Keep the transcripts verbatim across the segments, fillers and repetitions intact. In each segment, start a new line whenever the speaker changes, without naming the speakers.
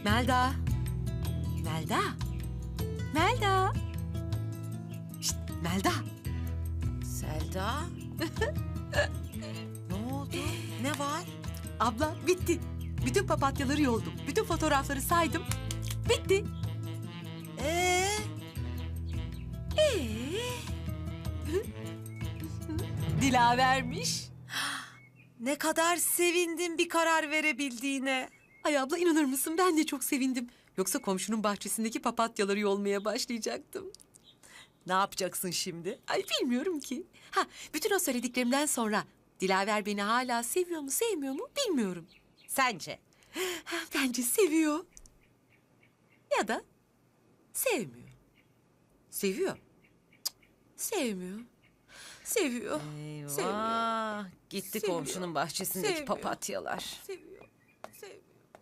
Melda. Melda. Melda. Şişt, Melda.
Selda? Ne oldu? Ne var?
Abla bitti. Bütün papatyaları yoldum. Bütün fotoğrafları saydım. Bitti.
Ee?
Ee? Dilavermiş.
Ne kadar sevindim bir karar verebildiğine.
Ay abla inanır mısın ben de çok sevindim. Yoksa komşunun bahçesindeki papatyaları yolmaya başlayacaktım.
Ne yapacaksın şimdi?
Ay bilmiyorum ki. Ha bütün o söylediklerimden sonra Dilaver beni hala seviyor mu sevmiyor mu bilmiyorum.
Sence?
Ha, bence seviyor. Ya da sevmiyor. Seviyor. Cık, sevmiyor. Seviyor.
Eyvah.
Sevmiyor.
Gitti
Seviyor.
komşunun bahçesindeki
Sevmiyor.
papatyalar.
Seviyor. Sevmiyor.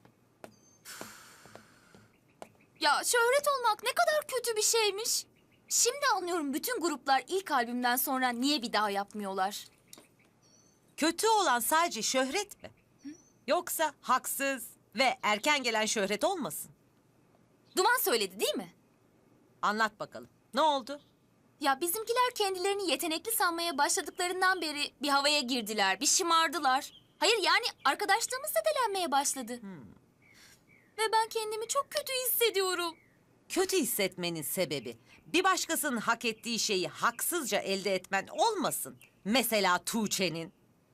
Ya şöhret olmak ne kadar kötü bir şeymiş. Şimdi anlıyorum bütün gruplar ilk albümden sonra niye bir daha yapmıyorlar.
Kötü olan sadece şöhret mi? Yoksa haksız ve erken gelen şöhret olmasın?
Duman söyledi değil mi?
Anlat bakalım. Ne oldu?
Ya bizimkiler kendilerini yetenekli sanmaya başladıklarından beri bir havaya girdiler, bir şımardılar. Hayır yani arkadaşlığımız zedelenmeye başladı. Ve ben kendimi çok kötü hissediyorum.
Kötü hissetmenin sebebi bir başkasının hak ettiği şeyi haksızca elde etmen olmasın. Mesela Tuğçe'nin.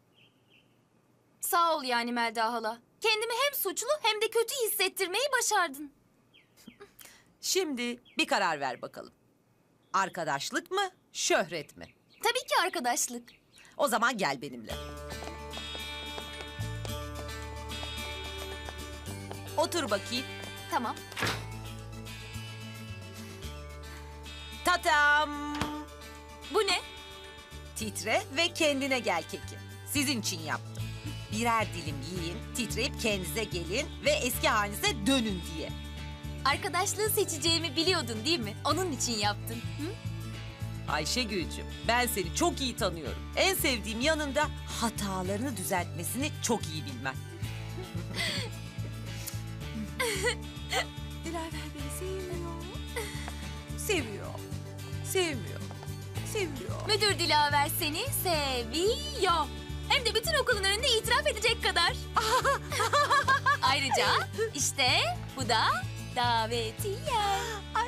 Sağ ol yani Melda hala. Kendimi hem suçlu hem de kötü hissettirmeyi başardın.
Şimdi bir karar ver bakalım. Arkadaşlık mı, şöhret mi?
Tabii ki arkadaşlık.
O zaman gel benimle. Otur bakayım.
Tamam.
Tatam.
Bu ne?
Titre ve kendine gel keki. Sizin için yaptım. Birer dilim yiyin, titreyip kendinize gelin ve eski halinize dönün diye.
Arkadaşlığı seçeceğimi biliyordun değil mi? Onun için yaptın. Hı?
Ayşegül'cüm, ben seni çok iyi tanıyorum. En sevdiğim yanında hatalarını düzeltmesini çok iyi bilmen.
Dilaver beni sevmiyor. Seviyor. Sevmiyor. Seviyor.
Müdür Dilaver seni seviyor. Hem de bütün okulun önünde itiraf edecek kadar. Ayrıca işte bu da davetiye.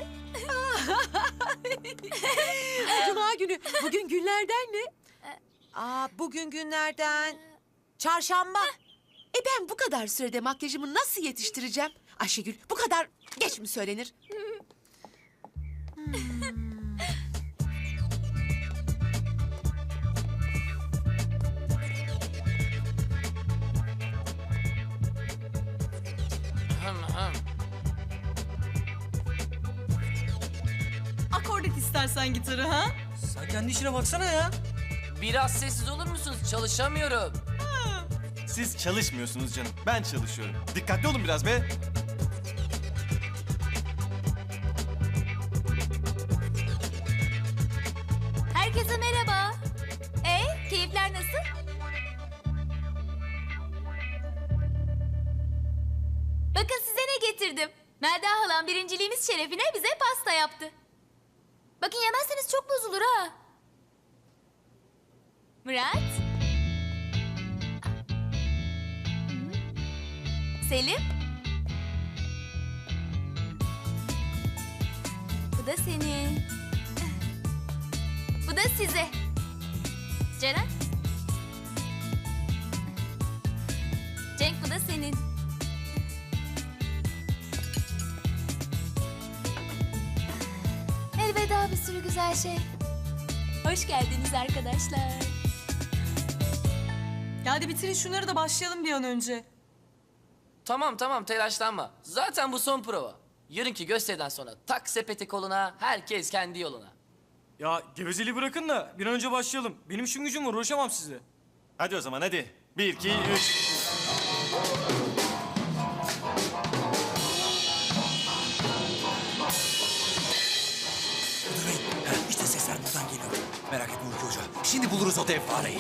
Cuma günü. Bugün günlerden ne?
Aa, bugün günlerden çarşamba.
E ben bu kadar sürede makyajımı nasıl yetiştireceğim? Ayşegül bu kadar geç mi söylenir?
Akordet istersen gitarı ha?
Sen kendi işine baksana ya.
Biraz sessiz olur musunuz? Çalışamıyorum.
Siz çalışmıyorsunuz canım. Ben çalışıyorum. Dikkatli olun biraz be.
Herkese merhaba. E, keyifler nasıl? Bakın size ne getirdim. Melda halam birinciliğimiz şerefine bize pasta yaptı. Bakın yemezseniz çok bozulur ha. Murat. Selim. Bu da senin. Bu da size. Ceren. Cenk bu da senin. Elveda bir sürü güzel şey. Hoş geldiniz arkadaşlar.
Ya hadi bitirin şunları da başlayalım bir an önce.
Tamam tamam telaşlanma. Zaten bu son prova. Yarınki gösteriden sonra tak sepeti koluna, herkes kendi yoluna.
Ya gevezeliği bırakın da bir an önce başlayalım. Benim işim gücüm var, uğraşamam size. Hadi o zaman hadi. Bir, iki, üç.
Müdür bey, heh, işte sesler buradan geliyor. Merak etme Hulki Hoca. Şimdi buluruz o dev fareyi.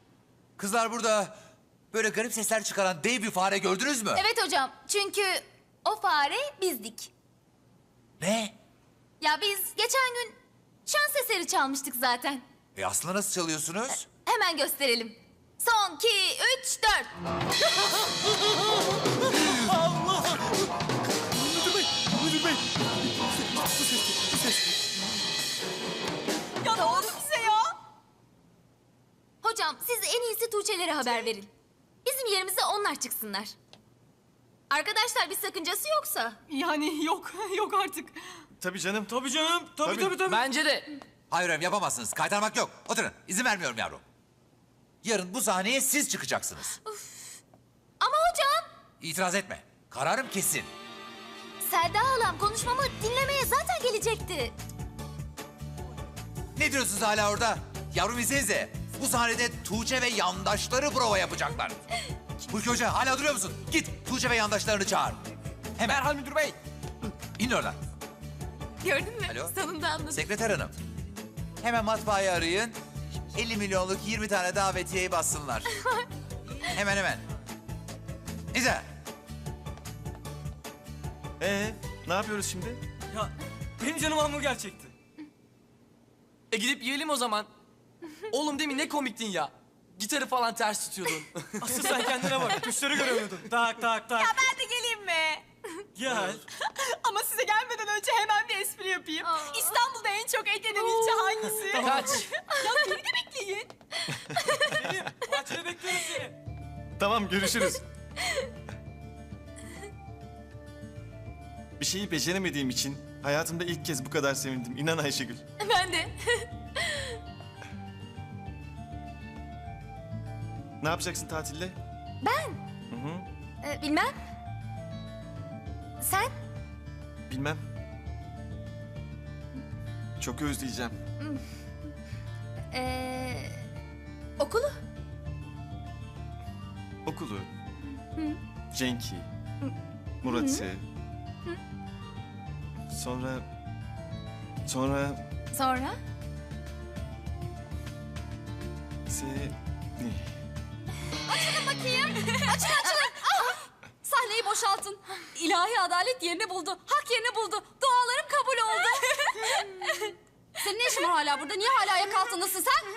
Kızlar burada böyle garip sesler çıkaran dev bir fare gördünüz mü?
Evet hocam çünkü O fare bizdik.
Ne?
Ya biz geçen gün şans eseri çalmıştık zaten.
E aslında nasıl çalıyorsunuz?
Hemen gösterelim. Son, iki, üç, dört.
Ya ne oldu bize ya?
Hocam siz en iyisi Tuğçe'lere haber verin. Bizim yerimize onlar çıksınlar. Arkadaşlar bir sakıncası yoksa.
Yani yok, yok artık.
Tabii canım. Tabii canım. Tabii tabii tabii.
Bence de.
Hayır efendim yapamazsınız. Kaytarmak yok. Oturun. İzin vermiyorum yavrum. Yarın bu sahneye siz çıkacaksınız.
Ama hocam.
İtiraz etme. Kararım kesin.
Selda halam konuşmamı dinlemeye zaten gelecekti.
Ne diyorsunuz hala orada? Yavrum izleyinize. Bu sahnede Tuğçe ve yandaşları prova yapacaklar. Hulki Hoca hala duruyor musun? Git Tuğçe ve yandaşlarını çağır. Hemen. Merhal müdür bey. İn oradan.
Gördün mü?
Alo.
Sonunda anladım.
Sekreter hanım. Hemen matbaayı arayın. elli milyonluk yirmi tane davetiyeyi bassınlar. Hemen hemen. İzle.
Ee, ne yapıyoruz şimdi?
Ya benim canım hamburger çekti. E gidip yiyelim o zaman. Oğlum demin ne komiktin ya. Gitarı falan ters tutuyordun.
Asıl sen kendine bak. Tuşları göremiyordun. Tak tak tak.
Ben de geleyim mi?
Gel.
Ama size gelmeden önce hemen bir espri yapayım.
Aa.
İstanbul'da en çok et yenen ilçe hangisi?
Kaç.
Ya beni de bekleyin.
Selim, bahçede bekliyoruz seni. Tamam, görüşürüz. Bir şeyi beceremediğim için hayatımda ilk kez bu kadar sevindim. İnan Ayşegül.
Ben de.
Ne yapacaksın tatilde?
Ee, bilmem. Sen?
Bilmem. Çok özleyeceğim.
Ee, okulu?
Okulu. Cenk'i. Murat'ı. Sonra... Sonra...
Sonra?
Se...
Bakayım. Açın açın. Ah! Sahneyi boşaltın. İlahi adalet yerini buldu. Hak yerini buldu. Dualarım kabul oldu. Senin ne işin var hala burada? Niye hala ayak altındasın sen?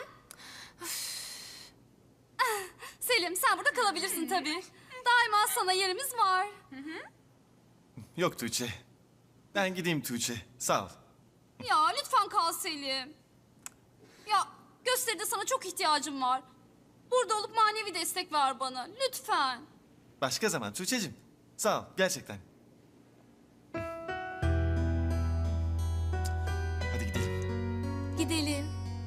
Selim sen burada kalabilirsin tabii. Daima sana yerimiz var.
Yok Tuğçe. Ben gideyim Tuğçe. Sağ ol.
Ya lütfen kal Selim. Ya gösteride sana çok ihtiyacım var. Burada olup manevi destek ver bana. Lütfen.
Başka zaman Tuğçe'cim. Sağ ol gerçekten. Hadi gidelim.
Gidelim.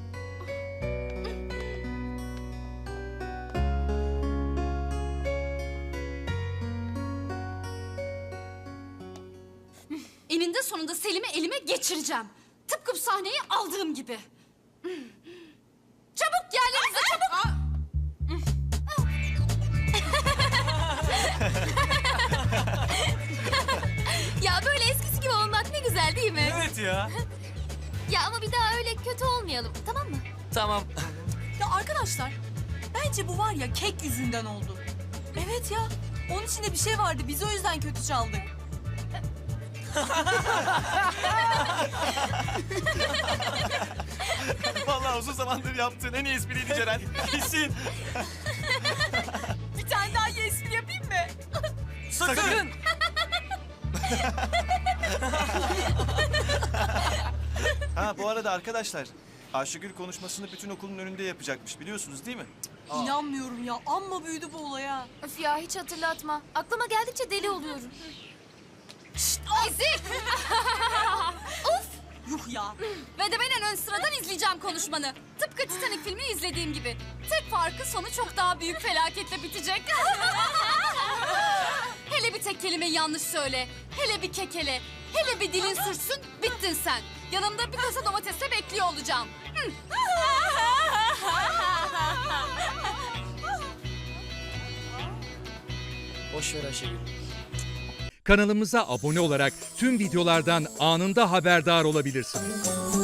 Eninde sonunda Selim'i elime geçireceğim. Tıpkı bu sahneyi aldığım gibi. Çabuk yerlerinize çabuk. Ya böyle eskisi gibi olmak ne güzel değil mi?
Evet ya.
Ya ama bir daha öyle kötü olmayalım, tamam mı?
Tamam.
Ya arkadaşlar, bence bu var ya kek yüzünden oldu. Evet ya, onun içinde bir şey vardı. Biz o yüzden kötü çaldık.
Vallahi uzun zamandır yaptığın en iyi espriydi Ceren. Kesin.
Bir tane daha iyi espri yapayım mı?
Sakın.
Ha bu arada arkadaşlar. Ayşegül konuşmasını bütün okulun önünde yapacakmış biliyorsunuz değil mi?
İnanmıyorum ya, amma büyüdü bu olay ha.
Öf ya hiç hatırlatma. Aklıma geldikçe deli oluyorum. Şşt! Ezik! Of!
Yuh ya.
Ve de ben en ön sıradan izleyeceğim konuşmanı. Tıpkı Titanic filmini izlediğim gibi. Tek farkı sonu çok daha büyük felaketle bitecek. Hele bir tek kelime yanlış söyle. Hele bir kekele. Hele bir dilin sürtsün, bittin sen. Yanımda bir kasa domatesle bekliyor olacağım. Hı.
Boş ver Ayşegül.
Kanalımıza abone olarak tüm videolardan anında haberdar olabilirsiniz.